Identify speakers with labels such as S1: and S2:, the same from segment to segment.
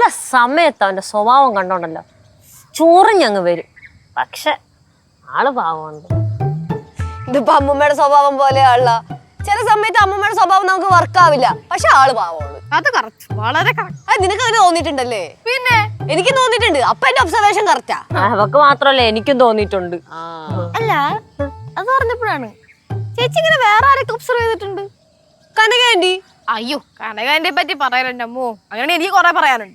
S1: സമയത്ത് അവന്റെ സ്വഭാവം കണ്ടോണ്ടല്ലോ ചൊറിഞ്ഞങ്ങ് വരും. പക്ഷെ ആള് പാവമുണ്ട്.
S2: ഇതിപ്പോ അമ്മൂമ്മയുടെ സ്വഭാവം പോലെയാണല്ല. ചില സമയത്ത് അമ്മൂമ്മയുടെ സ്വഭാവം നമുക്ക് വർക്കാവില്ല, പക്ഷെ ആള് പാവമുള്ളു.
S3: അത് കറക്റ്റ്, വളരെ കറക്റ്റ്.
S2: അത് നിനക്ക് അങ്ങനെ തോന്നിയിട്ടുണ്ടല്ലേ?
S3: പിന്നെ
S2: എനിക്ക് തോന്നിയിട്ടുണ്ട്. അപ്പൊ എന്റെ ഒബ്സർവേഷൻ കറക്റ്റാ.
S1: അവക്ക് മാത്രല്ല എനിക്കും തോന്നിയിട്ടുണ്ട്.
S3: അല്ല, അത് പറഞ്ഞപ്പോഴാണ് ചേച്ചി ഇങ്ങനെ വേറെ ആരൊക്കെ ഒബ്സർവ് ചെയ്തിട്ടുണ്ട്?
S2: കനക ആന്റി.
S3: അയ്യോ, കനകാന്റെ പറ്റി പറയാനുണ്ട് അമ്മോ. അങ്ങനെ എനിക്ക് കൊറേ പറയാനുണ്ട്.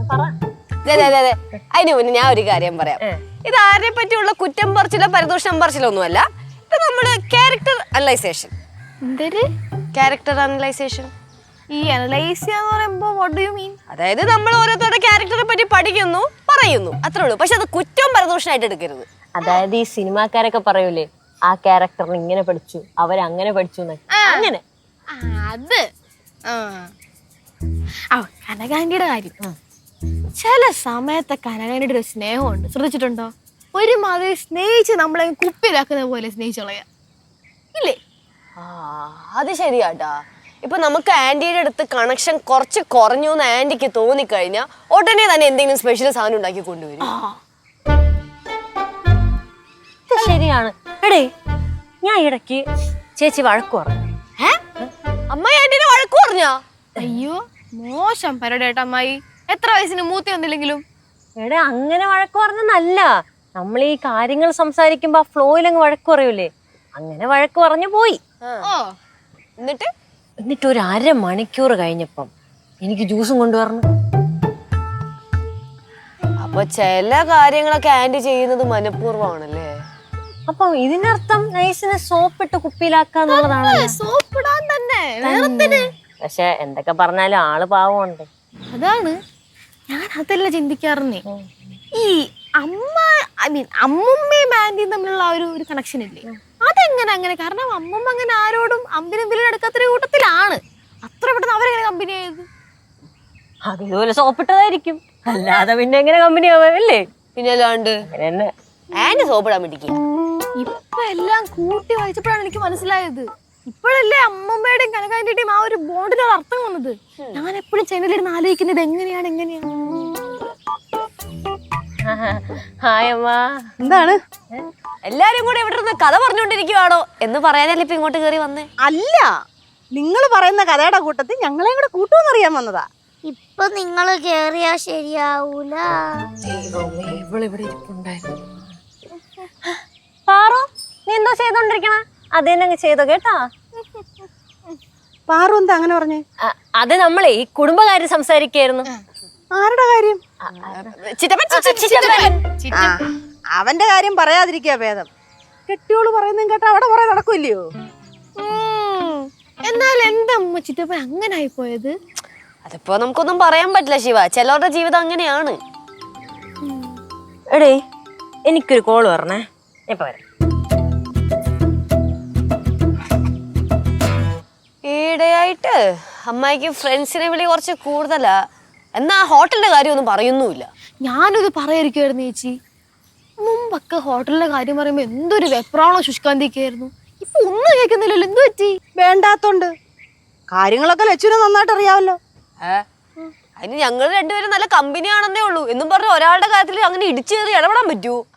S2: അതിന് മുന്നേ ഞാൻ ഒരു കാര്യം പറയാം. ഇത് ആരെ പറ്റിയുള്ള കുറ്റം പറിച്ചിലോ പരിദോഷം പറിച്ചിലോ ഒന്നുമല്ല. ഇത് നമ്മുടെ ക്യാരക്ടർ അനലൈസേഷൻ. ക്യാരക്ടർ അനലൈസേഷൻ.
S3: ഈ അനലൈസ് എന്ന് പറയുമ്പോ വാട്ട് ഡു യു മീൻ?
S2: അതായത് നമ്മൾ ഓരോരുത്തരുടെ ക്യാരക്ടറെ പറ്റി പഠിക്കുന്നു, പറയുന്നു, അത്രേ ഉള്ളൂ. പക്ഷെ അത് കുറ്റവും പരദോഷമായിട്ട് എടുക്കരുത്.
S1: അതായത് ഈ സിനിമാക്കാരൊക്കെ പറയൂലേ, ആ ക്യാരക്ടറിന് ഇങ്ങനെ പഠിച്ചു, അവരങ്ങനെ പഠിച്ചു അങ്ങനെ.
S3: അത് കനകാന്റിയുടെ കാര്യം. ചില സമയത്തെ കനകാന്റിയുടെ ഒരു സ്നേഹമുണ്ട്, ശ്രദ്ധിച്ചിട്ടുണ്ടോ? ഒരുമാതിരി സ്നേഹിച്ച് നമ്മളെ കുപ്പിയിലാക്കുന്ന പോലെ സ്നേഹിച്ചളയാ ഇല്ലേ?
S2: അത് ശരിയാട്ടാ. ഇപ്പൊ നമുക്ക് ആന്റിയുടെ അടുത്ത് കണക്ഷൻ കുറച്ച് കുറഞ്ഞു എന്ന് ആന്റിക്ക് തോന്നിക്കഴിഞ്ഞാൽ ഉടനെ തന്നെ എന്തെങ്കിലും സ്പെഷ്യൽ സാധനം ഉണ്ടാക്കി കൊണ്ടുവരും.
S1: ശരിയാണ്. എടേ, ഞാൻ ഇടയ്ക്ക് ചേച്ചി വഴക്ക് പറഞ്ഞു.
S2: അമ്മ ആന്റിനെ വഴക്ക് പറഞ്ഞാ?
S3: അയ്യോ, മോശം പരിപാടിയായിട്ട് അമ്മായി. എത്ര വയസ്സിന് മൂത്തി വന്നില്ലെങ്കിലും.
S1: എടേ, അങ്ങനെ വഴക്ക് പറഞ്ഞല്ല. നമ്മൾ ഈ കാര്യങ്ങൾ സംസാരിക്കുമ്പോ ആ ഫ്ലോയിലങ്ങ് വഴക്ക് പറയൂലേ, അങ്ങനെ വഴക്ക് പറഞ്ഞു പോയി. എന്നിട്ട് ഒരു 1/2 മണിക്കൂർ കഴിഞ്ഞപ്പം എനിക്ക് ജ്യൂസും കൊണ്ടുവരണം.
S2: അപ്പൊ ചില കാര്യങ്ങളൊക്കെ ആന്റി ചെയ്യുന്നത് മനഃപൂർവ്വമാണല്ലേ?
S1: അപ്പൊ ഇതിനർത്ഥം നൈസിനെ സോപ്പിട്ട് കുപ്പിയിലാക്കാന്നുള്ളതാണല്ലോ.
S3: സോപ്പിടാൻ തന്നെ.
S1: പക്ഷെ എന്തൊക്കെ പറഞ്ഞാലും ആള് പാവമുണ്ട്.
S3: അതാണ് ഞാൻ അതല്ല ചിന്തിക്കാറുന്നേ. ഈ അമ്മുമ്മയും ആന്റിയും തമ്മിലുള്ള ഒരു കണക്ഷൻ ഇല്ലേ, അതെങ്ങനെ അങ്ങനെ? കാരണം അമ്മുമ്മ അങ്ങനെ ആരോടും അമ്പിനും വിലും എടുക്കാത്തൊരു കൂട്ടത്തിലാണ്. അത്ര പെട്ടെന്ന് അവരെങ്ങനെ കമ്പനി ആയത്?
S1: അതുപോലെ സോപ്പിട്ടതായിരിക്കും, അല്ലാതെ പിന്നെ എങ്ങനെ കമ്പനി ആവാല്ലേ?
S2: പിന്നെ അല്ലാണ്ട് ആന്റി സോപ്പിടാൻ വേണ്ടിക്ക്.
S3: ഇപ്പൊ എല്ലാം കൂട്ടി വായിച്ചപ്പോഴാണ് എനിക്ക് മനസ്സിലായത്. ഇപ്പോഴല്ലേ അമ്മമ്മയുടെയും കനകാന്റിയുടെയും ആ ഒരു ബോണ്ടിന് ഒരു അർത്ഥം വന്നത്. ഞാൻ എപ്പോഴും ചെന്നലിരുന്ന് ആലോചിക്കുന്നത് എങ്ങനെയാണ്.
S4: എന്താണ്
S2: എല്ലാരും കൂടെ ഇവിടെ ഇരുന്ന് കഥ പറഞ്ഞുകൊണ്ടിരിക്കുവാണോ എന്ന് പറയാനല്ലേ ഇപ്പൊ ഇങ്ങോട്ട് കയറി വന്നേ?
S4: അല്ല, നിങ്ങൾ പറയുന്ന കഥയുടെ കൂട്ടത്തിൽ ഞങ്ങളെയും കൂടെ കൂട്ടുമെന്നറിയാൻ വന്നതാ.
S5: ഇപ്പൊ നിങ്ങള് കേറിയാ ശരിയാവൂല.
S1: പാറു, നീ എന്തോ ചെയ്തോണ്ടിരിക്കണ? അതേനങ്ങ് ചെയ്തോ കേട്ടാ.
S4: പാറു എന്താ അങ്ങനെ പറഞ്ഞേ?
S1: അത് നമ്മളെ ഈ കുടുംബകാര്യം സംസാരിക്കായിരുന്നു.
S4: ആരുടെ കാര്യം? അവന്റെ കാര്യം പറയാതിരിക്കാ ഭേദം. കെട്ടിയോള് പറയുന്നതും കേട്ടാ അവിടെ കുറെ നടക്കൂല്ലയോ?
S3: എന്നാൽ എന്താ അമ്മ ചിറ്റപ്പൻ അങ്ങനെ ആയിപ്പോയത്?
S2: അതിപ്പോ നമുക്കൊന്നും പറയാൻ പറ്റില്ല ശിവ, ചിലവരുടെ ജീവിതം അങ്ങനെയാണ്.
S1: എടേ, എനിക്കൊരു കോള് പറഞ്ഞേ, ഇപ്പൊ വരാം.
S2: ഈയിടെയായിട്ട് അമ്മായിക്ക് ഫ്രണ്ട്സിനെ വിളി കുറച്ച് കൂടുതലാ. എന്നാ ഹോട്ടലിന്റെ കാര്യമൊന്നും പറയുന്നുമില്ല.
S3: ഞാനിത് പറയാതിരിക്കുവായിരുന്നു ചേച്ചി. മുമ്പൊക്കെ ഹോട്ടലിന്റെ കാര്യം പറയുമ്പോ എന്തൊരു വെപ്രാണോ ശുഷ്കാന്തിയൊക്കെയായിരുന്നു. ഇപ്പൊ ഒന്നും കേൾക്കുന്നില്ലല്ലോ. എന്ത് പറ്റി?
S4: വേണ്ടാത്തോണ്ട്. കാര്യങ്ങളൊക്കെ ലച്ചുവിനെ നന്നായിട്ട് അറിയാമല്ലോ.
S2: അതിന് ഞങ്ങൾ രണ്ടുപേരും നല്ല കമ്പനിയാണെന്നേ ഉള്ളൂ എന്നും പറഞ്ഞ് ഒരാളുടെ കാര്യത്തിൽ അങ്ങനെ ഇടിച്ചു കയറി ഇടപെടാൻ പറ്റുമോ?